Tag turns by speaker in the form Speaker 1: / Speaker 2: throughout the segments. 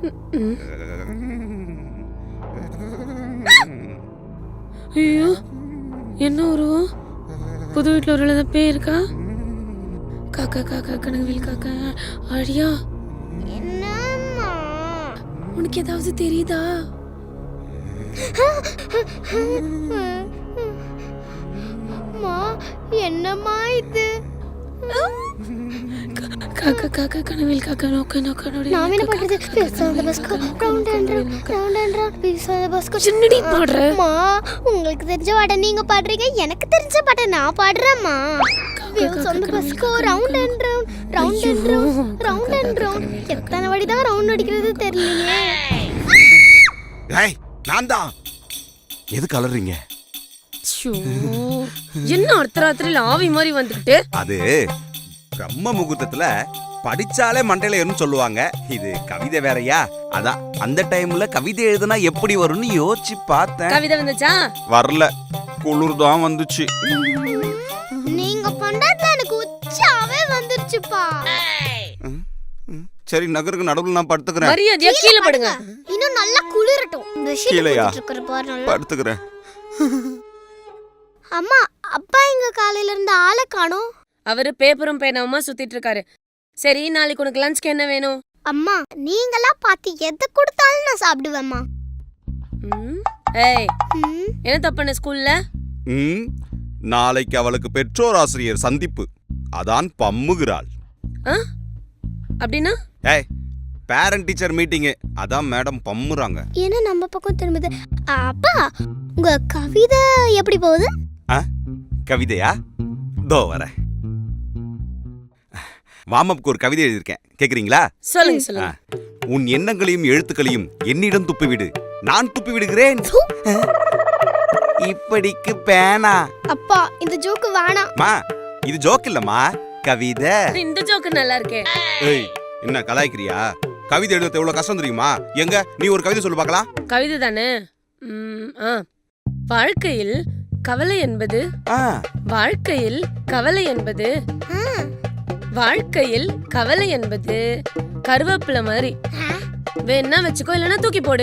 Speaker 1: ஐயோ, என்ன உருவம்? புது வீட்டில் ஒரு எழுத பேர் இருக்கா? காக்கா காக்கா கனவில் காக்கா. அழியா,
Speaker 2: என்னம்மா
Speaker 1: உனக்கு ஏதாவது தெரியுதா?
Speaker 2: அம்மா, என்னம்மா இது?
Speaker 1: காக்கா காக்கா கனவில் காக்கா நோக்க நோக்க நோடி.
Speaker 2: நான் என்ன பண்றது? பேசாத பஸ்கோ ரவுண்ட் அண்ட் ரவுண்ட் பேசாத பஸ்கோ
Speaker 1: சின்னடி பாடுற.
Speaker 2: அம்மா, உங்களுக்கு தெரிஞ்ச பாட்டை நீங்க பாடுறீங்க, எனக்கு தெரிஞ்ச பாட்டை நான் பாடுறேம்மா. சொந்த பஸ்கோ ரவுண்ட் அண்ட் ரவுண்ட். எத்தனை வாடி தான் ரவுண்ட் அடிக்கிறது தெரியலையே.
Speaker 3: ஏய், நான் தான். எதுக்கு அலறீங்க?
Speaker 1: என்ன அர்த்தராத்திரில ஆவி மாதிரி வந்துகிட்டு?
Speaker 3: அது பிரம்ம முகூர்த்தத்துல படிச்சாலே மண்டையில ஏறும்னு சொல்லுவாங்க. இது கவிதை வேறயா? அதான் அந்த டைம்ல கவிதை எழுதுனா எப்படி வரும்னு யோசிச்சு பார்த்தேன்.
Speaker 1: கவிதை வந்துச்சா?
Speaker 3: வரல, குளிர் தான் வந்துச்சு.
Speaker 2: நீங்க பண்றது எனக்கு உச்சாவே வந்துருச்சுப்பா.
Speaker 3: சரி, நகருக்கு நடுவுல நான் படுத்துக்கிறேன்.
Speaker 1: மரியாதையா கீழே படுங்க.
Speaker 2: இன்னும் நல்லா குளிரட்டும்.
Speaker 3: கீழயா? படுத்துக்கிறேன்.
Speaker 2: அம்மா, அப்பா எங்க காலையில இருந்து ஆளை காணோம்.
Speaker 1: அவரு பேப்பரும் பேனாவுமா சுத்திட்டு இருக்காரு. சரி, நாளைக்கு உனக்கு லஞ்ச்க்கு என்ன வேணும்?
Speaker 2: அம்மா, நீங்களா பார்த்து எதை கொடுத்தாலும் நான் சாப்பிடுவேம்மா.
Speaker 1: ஏய், என்ன தப்புன ஸ்கூல்ல?
Speaker 3: நாளைக்கு அவளுக்கு பெற்றோர் ஆசிரியர் சந்திப்பு, அதான் பம்முகிறாள்.
Speaker 1: அப்படின்னா?
Speaker 3: ஏய், பேரண்ட் டீச்சர் மீட்டிங், அதான் மேடம் பம்முறாங்க.
Speaker 2: ஏன்னா நம்ம பக்கம் திரும்புது. அப்பா, உங்க கவிதை எப்படி போகுது?
Speaker 3: கவிதையா? தோ வரேன். வாமப்புக்கு ஒரு கவிதை எழுதியிருக்கேன், கேக்குறீங்களா?
Speaker 1: சொல்லுங்க சொல்லுங்க.
Speaker 3: உன் எண்ணங்களையும் எழுத்துக்களையும் என்னிடம் துப்பிவிடு, நான் துப்பி விடுகிறேன். இப்படிக்கு பேனா.
Speaker 2: அப்பா, இந்த ஜோக்கு வேணாம்.
Speaker 3: மா, இது ஜோக் இல்லம்மா, கவிதை.
Speaker 1: இந்த ஜோக்கு நல்லா இருக்கே.
Speaker 3: ஏய், என்ன கலாய்க்கிறியா? கவிதை எழுத எவ்வளவு கஷ்டம் தெரியுமா? எங்க நீ ஒரு கவிதை சொல்லு பார்க்கலாம்.
Speaker 1: கவிதை தானே? வாழ்க்கையில் கவலை என்பது வாழ்க்கையில் கவலை என்பது வாழ்க்கையில் கவலை என்பது கருவேப்பிலை மாதிரி. வேணா வச்சுக்கோ, இல்லைன்னா தூக்கி போடு.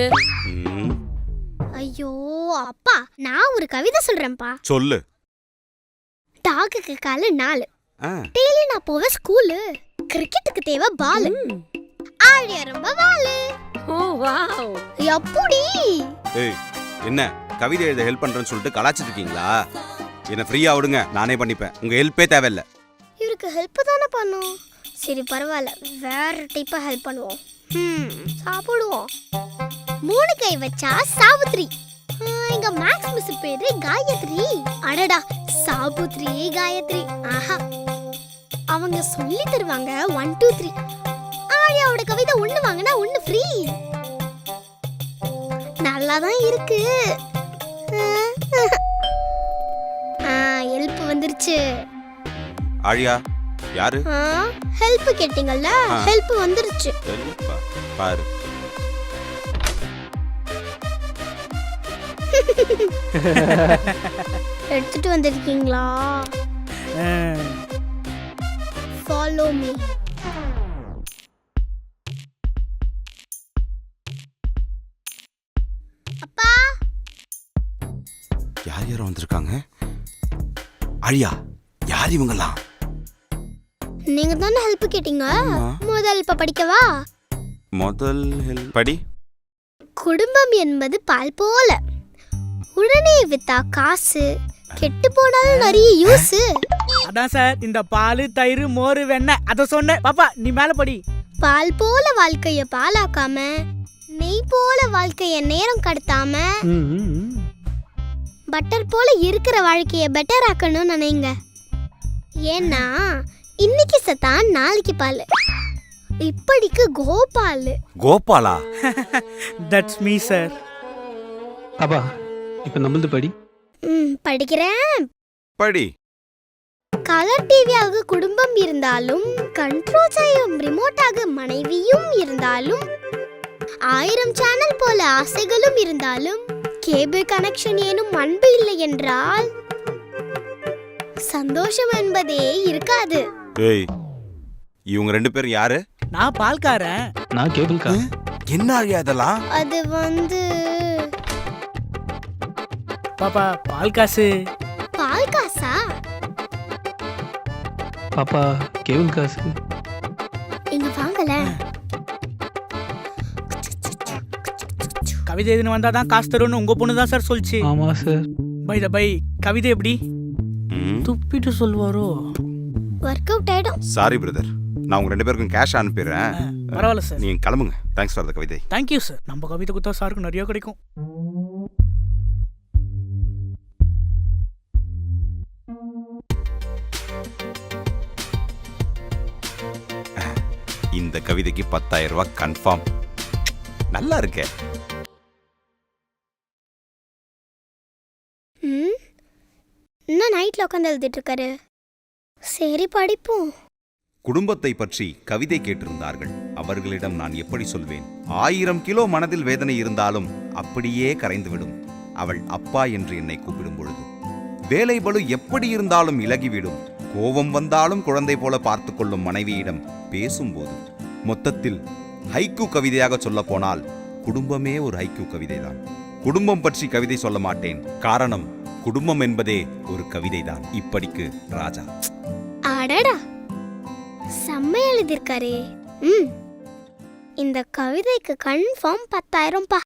Speaker 2: ஐயோ அப்பா, நான் ஒரு கவிதை சொல்றேன்ப்பா.
Speaker 3: சொல்லு.
Speaker 2: டாக்குக்கு காலு 4. டெய்லி நான் போவேன் ஸ்கூலு. கிரிக்கெட்டுக்கு தேவை பால். ஆழியா ரொம்ப வாலு.
Speaker 1: ஓ வாவ்.
Speaker 2: எப்படி?
Speaker 3: ஏய், என்ன கவிதை எழுத ஹெல்ப் பண்றேன்னு சொல்லிட்டு கலாச்சிட்டு இருக்கீங்களா? என்ன ஃப்ரீயா விடுங்க, நானே பண்ணிப்பேன். உங்க ஹெல்ப்பே தேவையில்லை.
Speaker 2: இவருக்கு ஹெல்ப் தானே பண்ணும். சரி பரவாயில்ல, வேற டைப்பா ஹெல்ப் பண்ணுவோம். சாப்பிடுவோம். 3 கை வச்சா சாவித்ரி. எங்க மேக்ஸ் மிஸ் பேரு காயத்ரி. அடடா, சாபுத்ரி காயத்ரி. ஆஹா, அவங்க சொல்லி தருவாங்க 1 2 3. ஆழியாவோட கவிதை 1 வாங்கினா 1 ஃப்ரீ. நல்லாதான் இருக்கு. ஹெல்ப் வந்துருச்சு.
Speaker 3: ஆழியா யாரு?
Speaker 2: ஹெல்ப் கேட்டிங்கல்ல, ஹெல்ப் வந்துருச்சு.
Speaker 3: பாரு.
Speaker 2: எடுத்துட்டு வந்திருக்கீங்களா? Follow me. அப்பா,
Speaker 3: யார் யாரும் வந்திருக்காங்க? ஆழியா, யார் இவங்கலாம்?
Speaker 2: நீங்க தானே ஹெல்ப் கேட்டீங்க. முதல் இப்ப படிக்கவா?
Speaker 3: முதல் ஹெல்ப் படி.
Speaker 2: குடும்பம் என்பது பால் போல, உடனே வித்தா காசு, கெட்டு போனாலும் நிறைய யூஸ்.
Speaker 4: அதான் சார், இந்த பால் தயிர் மோர் வெண்ணெய் அத சொன்னேன். பாப்பா நீ மேல படி.
Speaker 2: பால் போல வாழ்க்கைய பாலாக்காம, நெய் போல வாழ்க்கைய நேரம் கடத்தாம, பட்டர் போல இருக்கிற வாழ்க்கைய பெட்டர் ஆக்கணும்னு நினைங்க. ஏன்னா இன்னைக்கு சத்தான் நாளைக்கு பால். இப்படிக்கு கோபால்.
Speaker 3: கோபாலா?
Speaker 4: That's me sir.
Speaker 5: அப்பா இப்ப நம்மளது படி.
Speaker 2: படிக்கிறேன்.
Speaker 3: படி.
Speaker 2: கலர் டிவியாக குடும்பம் இருந்தாலும், கண்ட்ரோல் செய்யும் ரிமோட்டாக மனைவியும் இருந்தாலும், 1000 சேனல் போல ஆசைகளும் இருந்தாலும், கேபிள் கனெக்ஷன் ஏனும் அன்பு இல்லை என்றால் சந்தோஷம் என்பதே இருக்காது.
Speaker 3: ஏய், இவங்க 2 பேரும் யாரு?
Speaker 4: நான் பால்காரன்.
Speaker 5: நான் கேபிள்கா.
Speaker 3: என்ன அழியா அதெல்லாம்?
Speaker 2: அது வந்து
Speaker 4: பாப்பா பால் காசு.
Speaker 2: பால் காசா?
Speaker 5: பாப்பா கேபிள் காசு.
Speaker 2: இங்க வாங்கல.
Speaker 4: கவிதை எதுன்னு வந்தாதான் காசு தரும்னு உங்க பொண்ணு தான் சார் சொல்லிச்சு.
Speaker 5: ஆமா சார்.
Speaker 4: பை த பை கவிதை எப்படி
Speaker 3: ம்.
Speaker 4: துப்பிட்டு சொல்வாரோ?
Speaker 2: ஒர்க் அவுட் ஆயிடும்.
Speaker 3: சாரி பிரதர், நான் உங்க 2 பேருக்கும் கேஷ் அனுப்பிடுறேன்.
Speaker 4: பரவாயில்ல சார்.
Speaker 3: நீங்க கிளம்புங்க. தேங்க்ஸ் ஃபார் த கவிதை.
Speaker 4: Thank you sir. நம்ம கவிதை குத்தா சாருக்கு நிறைய கிடைக்கும்.
Speaker 3: இந்த கவிதைக்கு 10,000 ரூபாய் கன்ஃபார்ம். நல்லா இருக்கே.
Speaker 2: இன்னும் நைட்ல உட்காந்து எழுதிட்டு இருக்காரு. சரி படிப்போம்.
Speaker 3: குடும்பத்தை பற்றி கவிதை கேட்டிருந்தார்கள். அவர்களிடம் நான் எப்படி சொல்வேன்? 1000 கிலோ மனதில் வேதனை இருந்தாலும் அப்படியே கரைந்துவிடும் அவள் அப்பா என்று என்னை கூப்பிடும் பொழுது. வேலை பளு எப்படி இருந்தாலும் இலகிவிடும். கோபம் வந்தாலும் குழந்தை போல பார்த்து கொள்ளும் மனைவியிடம் பேசும்போது. மொத்தத்தில் ஹைக்கூ கவிதையாக சொல்ல போனால் குடும்பமே ஒரு ஹைக்கூ கவிதைதான். குடும்பம் பற்றி கவிதை சொல்ல மாட்டேன். காரணம், குடும்பம் என்பதே ஒரு கவிதைதான். இப்படிக்கு ராஜா.
Speaker 2: அடடா, செம்ம எழுதியிருக்காரே. இந்த கவிதைக்கு கன்ஃபார்ம் 10,000 பா.